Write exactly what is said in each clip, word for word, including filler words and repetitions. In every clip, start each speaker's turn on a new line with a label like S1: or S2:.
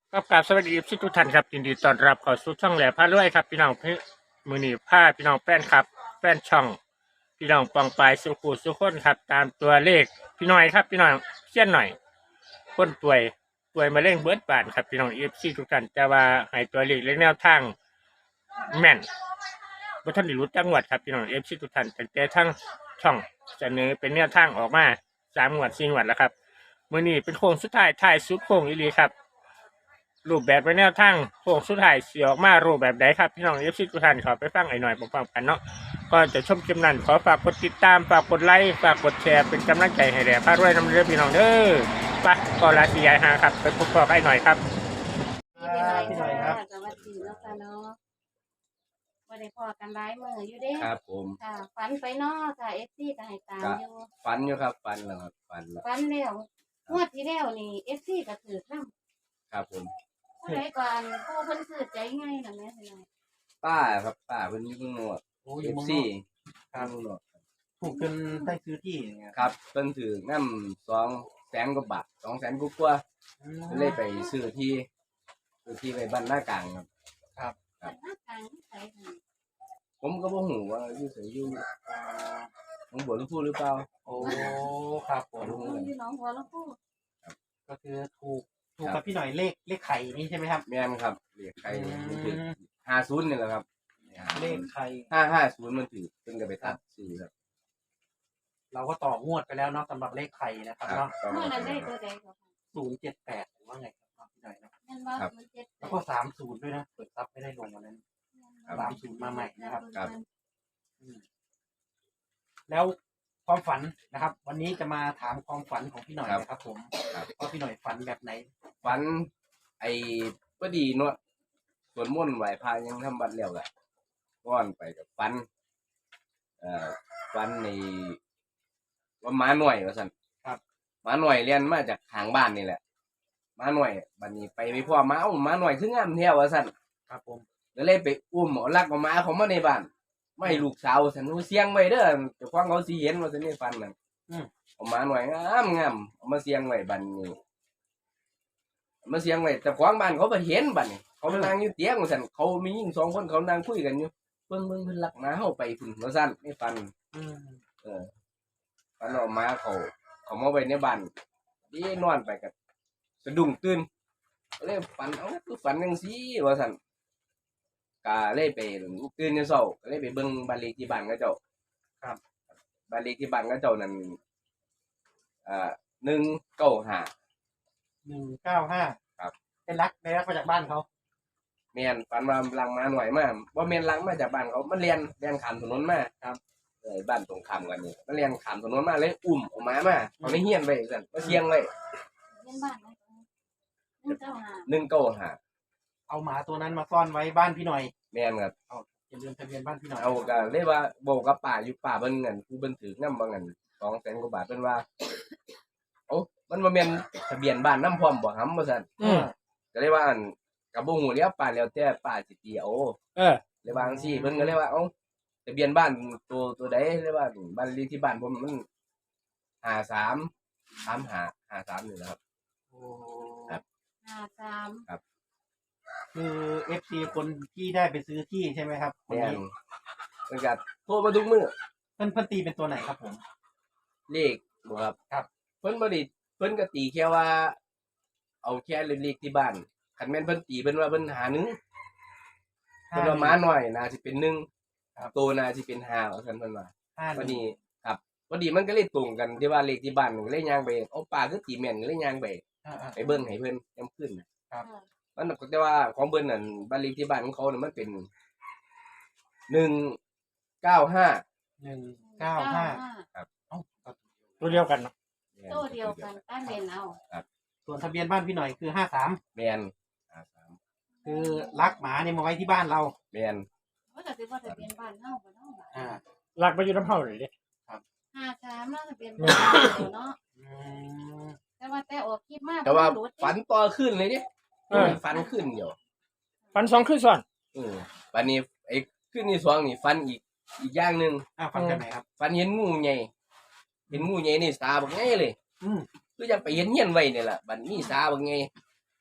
S1: ครับกราบสวัสดีทุกท่านครับยินดีต้อนรับเข้าสู่ช่องแหล่พารวยครับพี่น้องพี่มือนีผ้าพี่น้องแฟนครับแฟนช่องพี่น้องปองปลายสุขุสุขคนครับตามตัวเลขพี่น้อยครับพี่น้องเสี้ยนหน่อยคนป่วยป่วยมาเร่งเบิร์ดบานครับพี่น้องเอฟซีทุกท่านแต่ว่าให้ตัวเลขและแนวทางแม่นบ่ท่านได้รู้จังหวัดครับพี่น้องเอฟซีทุกท่านแต่แต่ทั้งช่องเสนอเป็นแนวทางออกมาสามงวดสี่งวดแล้วครับมือนี้เป็นโค้งสุดท้ายท้ายสุดโค้งอีหลีครับ รูปแบบไปแนวทางโค้งสุดท้ายเสียออกมารูปแบบใดครับพี่น้องเอฟซีทุกท่านขอไปฟังไอ้หน่อยพร้อมๆกันเนาะก่อนจะชมคลิปนั้นขอฝากกดติดตามฝากกดไลค์ฝากกดแชร์เป็นกำลังใจให้แด่พารวยน้ำเรือพี่น้องเด้อไปก่อนลาสียายหาครับไปพบกับไอ้หน่อยครับ
S2: พี่หน่อยค่ะสวัสดีเนาะค่ะเนาะบ่ได้พอกันหลายมื้ออยู่เด้
S3: ครับผม
S2: ค่ะฝันไปเนาะค่ะ เอฟ ซี ก็ให้ตาม
S3: ก็
S2: อยู่
S3: ฝันอยู่ครับฝันแล้วครับฝันแล้ว
S2: ฝันแล้วงวดที่แล้วนี่ เอฟ ซี ก็ถือนำ
S3: ครับผม
S2: ผู้ใดก่อนผู้เพิ่นซื้อใจง่ายน่ะแม่พี่น้อย
S3: ป้าครับป้าเพิ่นอยู่เมืองนอก
S4: โอ้อ
S3: เอยู่ ฟ
S4: เมืองน
S3: ซี
S4: อก
S3: ครับเมืองนอกครับ
S4: ถูกจนได้ซื้อที่อย่างเงี้ย
S3: ครับเพิ่นถือน้ำสองแสนกว่าบาทสองแสนกว่า
S4: อืม
S3: ๆเพิ่นเลยไปซื้อที่ซื้อที่ไปบ้านหน้ากลางครับ
S4: ครับ
S2: ฝันหน้ากลางนิสัยค่ะ
S3: ผมก็บ่ฮู้ว่าอยู่ไสอยู่หนองบัวลำพูหรือเปล่า
S4: โอ้ครับผม
S3: บ่รู้
S2: เพิ่
S3: กัน
S2: นอยู่หนองบัวลำพู
S4: ก็คือถูกถูกกับพี่หน่อยเลขเลขไข่นี่ใช่ไหมครับ
S3: แม่นครับเลขใครมันถือห้าสิบนี่แหละครับ
S4: เลขไข่
S3: ห้าห้าศูนย์มันถือเพิ่นก็ไปตัดซื้อครับ
S4: เราก็ต่องวดไปแล้วเนาะสำหรับเลขไข่นะครับเนาะ
S3: ประ
S2: เมื่
S3: มาณ
S2: อนั้นได้
S3: นั้น
S2: ตัวใดก็ค่ะ
S4: ศูนย์เจ็ดแปดหรือว่าไงครับพี่หน่อยเนาะ
S2: แม่นบ่มันเจ็ดแป
S4: แล้ว
S2: ด
S4: ก็สามศูนย์ด้วยนะเปิดซับไม่ได้ลงวันนั้นสามศูนย์มาใหม่นะครับ
S3: ครับ
S4: อืมแล้วความฝันนะครับ วันนี้จะมาถามความฝันของพี่หน่อยนะครับ ผมว่าพี่หน่อยฝันแบบไหน
S3: ฝันไอ้พอดีเนาะสวดมนต์ไหว้พระยังทำบัดแล้วแหละก้อนไปกับฝันเอ่อฝันในว่าหมาหน่อยว่าซั่น
S4: ครับ
S3: หมาหน่อยเรียนมาจากทางบ้านนี่แหละหมาหน่อยบัดนี้ไปไปพ่อหมาเอ้าหมาหน่อยคืองามแท้ว่าซั่น
S4: ครับผม
S3: ก็เลยไปอุ้มเอาลักเอาหมาเขามาในบ้านไม่ให้ลูกสาวว่าซั่นหนูเสียงไว้เด้อเจ้าของเขาสิเห็นว่าซั่นนี่ฝันนั่น
S4: อืม
S3: เอาหมาหน่อยงามงามเอามาเสียงไว้บัดนี้เอามาเสียงไว้แต่ของบ้านเขาบ่เห็นบัดนี้เขามานั่งอยู่เตียงว่าซั่นเขามีหญิงสองคนเขานั่งคุยกันอยู่เบิ่งเบิ่งเพิ่นลักหมาเฮาไปพุ่นว่าซั่นนี่ฝัน
S4: อืม
S3: เออฝันเอาหมาเขาเขามาไว้ในบ้านดีนอนไปก็สะดุ้งตื่นก็เลยฝันเอ้าคือฝันจังซี่ว่าซั่นก็เลยไปตื่นแต่เช้าก็เลยไปเบิ่งบ้านเลขที่บ้านเขาเจ้าครับบ้านเลขที่บ้านเขาเจ้านั่นอ่าหนึ่งเก้าห้า
S4: หนึ่งเก้าห้า
S3: ครับ
S4: เป็นรักได้รักมาจากบ้านเขา
S3: แม่นฝันว่าลังมาหน่อยมาบ่แม่นลังมาจากบ้านเขามันเรียนเรียนข้ามถนนมาครับเออบ้านตรงข้ามกันนี่มันเรียนข้ามถนนมาเลยอุ้มออกมามาเอาในเฮียนไว้ซั่นมาเสียงไว้
S2: เรียนบ้านไหนหนึ่งเก้าห้า
S3: หนึ่งเก้าห้า
S4: เอาหมาตัวนั้นมาซ่อนไว้บ้านพี่หน่อย
S3: แม่นครับ
S4: เอาอย่าลืมทะเบียนบ้านพี่หน่อย
S3: เอาก็เลยว่าบอกกับป้าอยู่ป้าเบิ่งเงินผู้เบิ่นถือนำบ่เงินสองแสนกว่าบาทเพิ่นว่าเอ้ามันบ่แม่นทะเบียนบ้านนำพร้อมบ่หำว่าซั่น
S1: อืม
S3: ก็เลยว่าอั่นก็บ่ฮู้แล้วป้าแล้วแต่ป้าสิตีเอา
S1: เออ
S3: เลยว่าจังซี่เพิ่นก็เลยว่าเอ้าทะเบียนบ้านตัวตัวใดเลยว่าบ้านเลขที่บ้านผมมันห้าสาม สามห้า ห้าสามนี่แหละครับ
S4: โอ้
S3: ครับ
S2: ห้าสาม
S4: คือเอฟซีคนที่ได้ไปซื้อที่ใช่ไหมครับคน
S3: แม่น
S4: นี้
S3: เพิ่นก็โทรมาทุกมื้อ
S4: เพิ่นเพิ่นตีเป็นตัวไหนครับผม
S3: เลขบ่ครับ
S4: ครับ
S3: เพิ่นบ่ได้เพิ่นก็ตีแค่ว่า เอาแค่เลขที่บ้านคันแม่นเพิ่นตีเพิ่นว่าเพิ่นหาหนึ่งเพิ่นว่าหมาน้อยน่าสิเป็นหนึ่งโตน่าสิเป็นห้าว่าซั่นเพิ่นว่า
S4: ห้าห
S3: พอ
S4: นึ่ง
S3: ดีครับพอดีมันก็เลยตรงกันที่ว่าเลขที่บ้านก็เลยย่างไปเอาป้าคือตีแม่นก็เลยย่างไป
S4: อ่า
S3: ไปเบิ่งให้เพิ่นยามคืนน่ะ
S4: ครับ
S3: มันก็แต่ว่าของเพิ่นนั่นบ้านเลขที่บ้านของเขาน่ะมันเป็นหนึ่งเก้าห้า
S4: หนึ่งเก้าห้า
S3: ครับ
S4: เอ้า
S1: ตัวเดียวกันเนาะ
S2: โตเดียวกันต้านเรียนเอา
S4: ส่วนทะเบียนบ้านพี่หน่อยคือห้าสาม
S3: แม่นห้าสาม
S4: คือรักหมาเนี่ยมาไว้ที่บ้านเรา
S3: แม่น
S2: ว่าแต่สิว่าทะเบียนบ้านเฮาบ่เนาะ
S4: อ่า
S1: หลักไปอยู่น้ำเฮาเลยเด้
S2: ห้าสามเนาะทะเบียนบ้านเนาะ
S4: อืม
S2: แต่ว่าแต่ออกคลิปมา
S3: แต่ว่า
S2: หลุด
S3: ฝันต่อขึ้นเลยดิ
S1: เออ
S3: ฝันขึ้นเดียว
S1: ฟันสองขึ้นซ้อน
S3: เออบัดนี้ไอ้ขึ้นที่สองนี่ฝันอีกอีกอย่างหนึง
S4: อ่าฟังกันไหนครับ
S3: ฝันเห็นงูใหญ่เห็นงูใหญ่นี่ตาบักใหญ่เลย
S4: อืม
S3: คือจะไปเห็นเฮียนไว้นี่แหละบัดนี้ตาบักใหญ่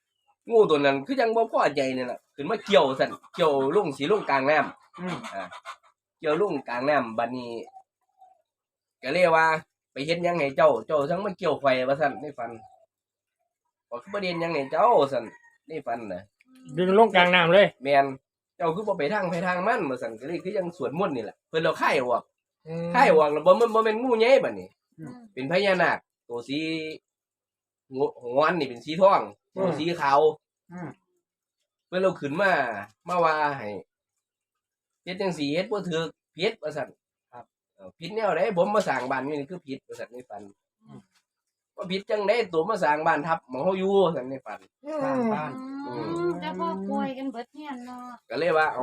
S3: งูตัวนั้นคือยังบ่พอใจนี่แหละขึ้นมาเกี่ยวสั่นเกี่ยวลงสีลงกลางน้ำ
S4: อืม
S3: อ่าเกี่ยวลงกลางน้ำบัดนี้ก็เรียกว่า ไปเฮ็ดหยังให้เจ้าเจ้าทั้งมาเกี่ยวไฟว่าสั่นในฝันบอกคือประเด็นหยังให้เจ้าสั่นในฝันน่ะ
S1: ดึงลงกลางน้ำเลย
S3: แม่นเจ้าคือบ่ไปทางไปทางมันว่าสั่นก็เลยคือยังสวดมนต์นี่แหละเพิ่นเราค่ายออกค่ายออกแล้วบ่มันบ่แม่นงูใหญ่บัดนี้
S2: อืม
S3: เป็นพญานาคตัวสีงงอนนี่เป็นสีทองตัวสีขาว
S4: อืม
S3: เพิ่นเราขึ้นมามาว่าให้เฮ็ดจังซี่เฮ็ดบ่ถูกผิดว่าซั่นครับเอ้าผิดแนวใดผมมาสร้างบ้านนี่คือผิดว่าซั่นในฝันว่าผิดจังได๋ตัวมาสร้างบ้านทับหม้องเฮาอยู่ว่าซั่นในฝัน
S4: สร้างบ้าน
S2: อืมแล้วพ่อป่วยกันเบิดเฮียนเนาะ
S3: ก็เลยว่าเอา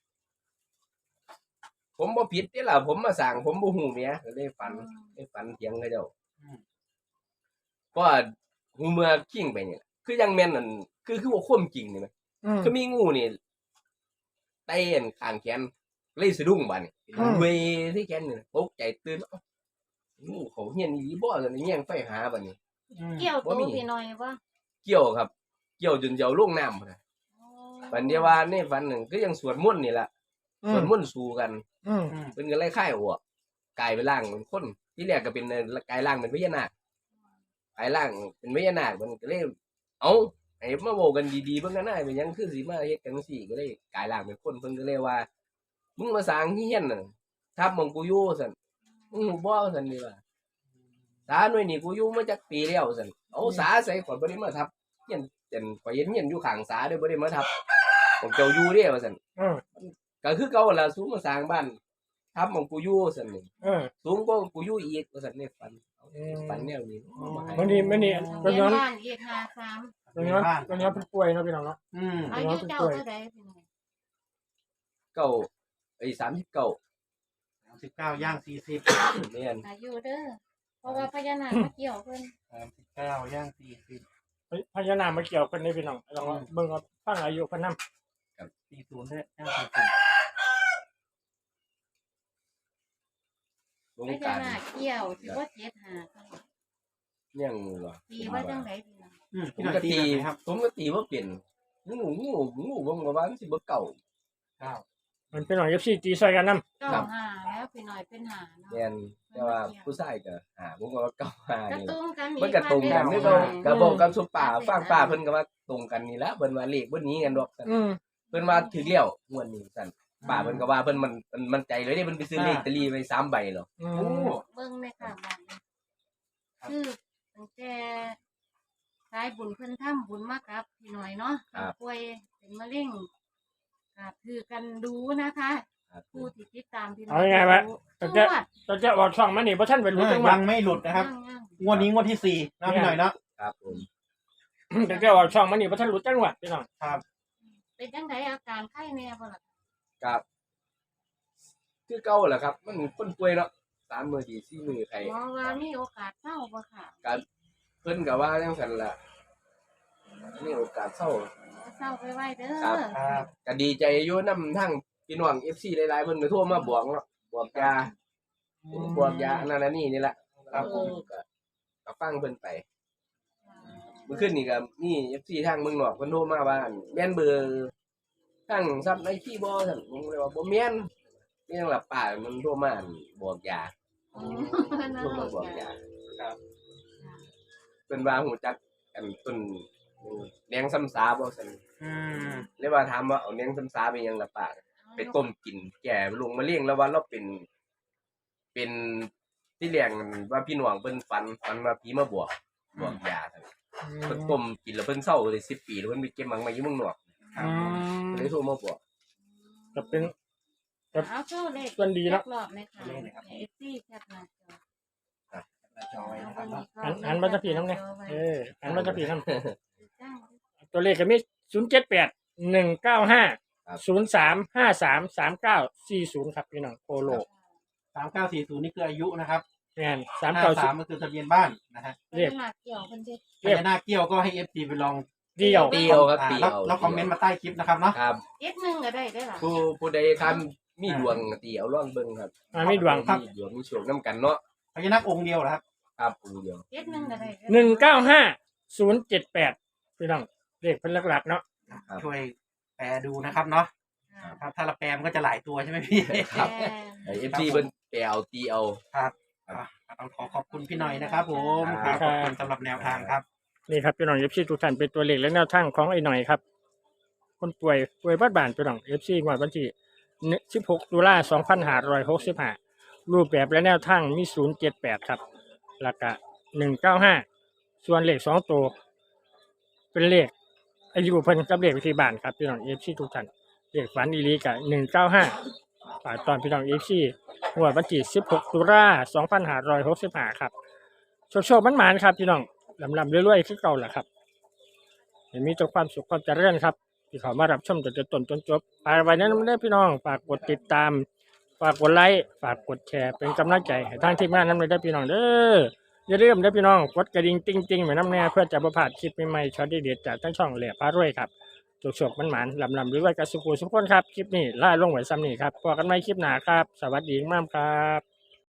S3: ผมบ่ผิดเด้ล่ะผมมาสร้างผมบ่ฮู้แหมก็เลยฝันในฝันเถียงกับเจ้าเพราะว่าหูเมื่อคิงไปนี่ล่ะคือยังแม่นนั่นคือคือว่าความจริงนี่แหม คือมีงูนี่ไต่อันข้างแขนเลยสะดุ้งบัดนี่
S1: อืม
S3: เวยที่แขนนี่ตกใจตื่นเอ้างูเขาเฮียนอีหลีบ่ซั่นแย่งไฟหาบัดนี้
S4: อืม
S2: เกี่ยวตัวพี่หน่อยบ่
S3: เกี่ยวครับ เกี่ยวจนเจ้าลงน้ำพุ่นน่ะ
S2: โอ้
S3: บัดเดียวว่าในฝันนึงก็ยังสวดมนต์นี่ล่ะสวดมนต์สู้กัน
S1: อืม
S4: อืม
S3: เพิ่นก็เลยคายหัวกลายเป็นร่างเป็นคนที่แรกก็เป็นกลายร่างเป็นพญานาคกลายร่างเป็นพญานาคมันก็เลยเอ้าให้มาเว้ากันดีๆเบิ่งกันหน้าเป็นหยังคือสิมาเฮ็ดกันจังซี่ก็เลยกลายร่างเป็นคนเพิ่นก็เลยว่า มึงมาสร้างเฮียนน่ะทับหมองกูอยู่ซั่นมึงรู้บ่ซั่นนี่ว่าสาหน่วยนี่กูอยู่มาจักปีแล้วซั่นเอาสาใส่ข่อยบ่ได้มาทับเฮียนเจนข่อยเห็นเฮียนอยู่ข้างสาเด้อบ่ได้มาทับผมเจ้าอยู่เด้ว่าซั่น
S1: เออ
S3: ก็คือเก่าล่ะสูงมาสร้างบ้านทับหมองกูอยู่ซั่นนี่
S1: เออ
S3: สูงกว่ากูอยู่อีกว่าซั่นในฝันเอาฝันแนวนี้เอามาให้
S1: มันนี่มันนี่
S2: เรี
S1: ตัวย
S2: น
S1: ย้อน
S2: บ้านอีกห้าสาม
S1: ตัวย้อนตัวย้อนเป็นป่วยเนาะพี่น้องเนาะ
S4: อืม
S2: อายุเจ้าเท่าใดพี่หน่อย
S3: เก้าไอ้สามสิบเก้า
S4: สามสิบเก้าย่างสี่สิบ
S3: แม่น
S2: อายุเด้อเพราะว่าพญานาคมาเกี่ยวเพิ่น
S4: สามสิบเก้าย่างสี่สิบ
S1: พญานาคมาเกี่ยวกันในพี่น้องลองเบิ่งว่าฟังอายุเพิ่นนำ
S4: สี่ศูนย์ด้วยย่างสี่สิบ
S3: วง
S2: พ
S3: กา
S2: ญาร นาคเกี่ยวสิบ่เจ็ดห้า
S3: ยังบ่
S2: ปีว่าจังไดพี่น้อง
S4: อืม
S3: ผ
S4: พี่
S3: ม
S4: หน่อย
S3: ก็
S4: ตี
S3: ตี
S4: แบบไหนครับ
S3: ผมก็ตีว่าเปลี่ยนงูงูงูผมก็ว่ามันสิบ่เก่า
S4: เก้า
S1: มันเป็นหน่อย เอฟ ซี ตีใส่กันนำ
S2: เก้าห้าแล้วพี่หน่อยเป็นห้าเนาะ
S3: แม่นแต่ว่าผู้ชายก็หาผมก็ว่าเก่าหาก
S2: ระ
S3: นี่
S2: ตุ้งกัน
S3: มันก็ตรงกันคือเก่าก็บอกกับสุป่าฟังป่าเพิ่นก็ว่าตรงกันนี่ละเพิ่นว่าเลขบ่หนีกันดอกซั่น
S1: อืม
S3: เพิ่นว่าถึงแล้วงวดนี้ซั่นป่าเพิ่นก็ว่าเพิ่นมันมันมันใจเลยเด้เพิ่นไปซื้อเลขตะลีไว้สามใบหรอก
S1: อื
S4: โอ้
S1: ม
S2: เบิ่งแม่ค่ะบ้านนี้คือตั้งแต่สายบุญเพิ่นทำบุญมากับพี่หน่อยเนาะป่วยเป็นมะเร็งก็คือกันดูนะคะ
S3: ครับ
S2: ผู้ที่ติดตามพี่หน่
S1: เอา
S2: อย
S1: ไงวะ
S2: ทุ
S1: ตั้
S2: ก
S1: งแต่
S2: งวด
S1: ตั้งแต่ออกช่องมานี่บ่ทันเป็นรู้จังห
S4: ยั
S1: วะ
S4: งไม่หลุดนะครับ
S2: ยัง
S4: งวดนี้งวดที่สี่นะพี่หน่อยเนาะ
S3: ครับผม
S1: ตั้งแต่ออกช่องมานี่บ่ทันรู้จังหวะพี่น้อง
S4: ครับ
S2: ๆเป็นจังไดอาการไข้แน่บ่ล่ะ
S3: ครับคือเก่าแหละครับ มันคนป่วยเนาะสามมื้อดีสี่มื้อไข้
S2: หมอว่ามีโอกาสเศร้าบ่ค่ะ
S3: เพิ่นก็ว่าจังซั่นล่ะมีโอกาสเศร้า
S2: เศร้าไปไว้เด้อ
S3: ครับ
S4: ครับ
S3: ก็ดีใจอยู่นำทั้งพี่น้อง เอฟ ซี หลายๆเพิ่นก็โทรมาบอกเนาะบอกยาบอกยาอันนั้นอันนี้นี่แหละครับผมก็ก็ฟังเพิ่นไปเมื่อคืนนี่ก็มี เอฟ ซี ทางเมืองนอกเพิ่นโทรมาว่าแม่นเบอร์ทางซับในที่บ่ซั่นผมเลยว่าบ่แม่นนี่ยังหลับป่ามันโทรมาบอกยา
S2: อืมนั่น
S3: โทรมาบอกยาครับเพิ่นว่าฮู้จักกันเพิ่นแดงซ้ำสาบ่ซั่น
S4: อืม
S3: เลยว่าถามว่าเอาแดงซ้ำสาไปยังหลับป่า ไปต้มกินแก่ลงมาเลี้ยงแล้วว่าเราเป็น เป็นที่เลี้ยงว่าพี่หน่วงเพิ่นฝันฝันว่าผีมาบวกบวกยาซั่นเพิ่นต้มกินแล้วเพิ่นเศร้าเลยสิบปีแล้วเพิ่นไปเก็บมังมาอยู่เมืองนอก
S1: อืม
S3: เลยโทรมาบอก
S1: ก็เป็น
S2: เอาโชว์เลข
S1: ส่วนดีเนาะ
S2: รอบๆเลยค่ะเอฟซีแคปหน้าจอ
S4: หน้าจอไว้นะครับเนาะ
S1: หันหันมาจะผีน้ำเนี่ยเออหันมาจะผีน้ำ
S2: จ้าง
S1: ตัวเลขก็มีศูนย์เจ็ดแปดหนึ่งเก้าห้าศูนย์สามห้าสามสามเก้าสี่ศูนย์ครับพี่น้องโคโล
S4: สามเก้าสี่ศูนย์นี่คืออายุนะครับ
S1: แม่นสาม
S4: ห้า
S1: เก้า
S4: สามก็คือทะเบียนบ้านนะฮะ
S1: เรียก
S2: หนักเกี่ยวคนเด็ก
S4: พญานาคเกี้ยวก็ให้เอฟซีไปลอง
S1: เดียว
S3: เตียวครับ
S4: อ่า
S3: เตีย
S4: แล้ว
S3: ว
S4: แล้วคอมเมนต์มาใต้คลิปนะครับเนาะ
S3: ครับ
S2: เอ็ดหนึ่งก็ได้ได้หรอ
S3: ผู้ผู้ใดทำมีดวงเตียวร่องเบิ่งครับ
S1: อ่าไม่ดวง
S3: มีดวงมีโชคนํกันเนาะ
S4: พญานาคองค์เดียวเหรอครับ
S3: ครับองค์เดียว
S2: เอ็ดหนึ่งก็ได้
S1: หนึ่งเก้าห้าศูนย์เจ็ดแปดพี่น้องเลขเพิ่นหลักๆเนาะ
S3: ครับ
S4: ช่วยแปลดูนะครับเนาะ
S2: ค่ะ
S4: ครับถ้าเราแปลมันก็จะหลายตัวใช่ไหมพี่
S3: ครับ
S2: แม่
S3: ไอ้เอฟซีเพิ่นไปเอาตีเอา
S4: ครับอ่ะต้องขอขอบคุณพี่หน่อยนะครับผมค
S3: ครั
S4: รับบ ขอบคุณสำหรับแนวทางครับ
S1: นี่ครับพี่น้องเอฟซีทุกท่านเป็นตัวเลขและแนวทางของไอ้หน่อยครับ คนป่วยป่วยบ้านบานพี่น้องเอฟซีงวดวันที่สิบหกตุลาสองพันห้าร้อยหกสิบห้ารูปแบบและแนวทางมีศูนย์เจ็ดแปดครับแล้วก็หนึ่งเก้าห้าส่วนเลขสองตัวเป็นเลขอายุเพิ่นกับเลขวิธีบ้านครับพี่น้องเอฟซีทุกท่านเลขฝันอีลีกับหนึ่งเก้าห้าฝากตอนพี่น้องเอฟซีงวดวันที่สิบหกตุลาสองพันห้าร้อยหกสิบห้าครับโชคโชคมันหมานๆครับพี่น้องลำลำรวยๆคือเก่าแหละครับให้มีแต่ความสุขความเจริญครับที่เขามารับชมจนจนต้นจนจบฝากไว้นั้นไม่ได้พี่น้องฝากกดติดตามฝากกดไลค์ฝากกดแชร์เป็นกำลังใจให้ทางทีมงานนั้นเลยได้พี่น้องเด้ออย่าลืมเด้อพี่น้องกดกระดิ่งติ๊งติ๊งเหมือนน้ำแน่เพื่อจะประพลาดคลิปใหม่ๆช็อตเด็ดๆจากทั้งช่องแหล่พารวยครับโชคโชคมันหมานๆลำลำรวยๆกับสุขุสุขคนครับคลิปนี้ล่าลงไว้ซ้ำนี่ครับพบกันใหม่คลิปหน้าครับสวัสดีมากครับ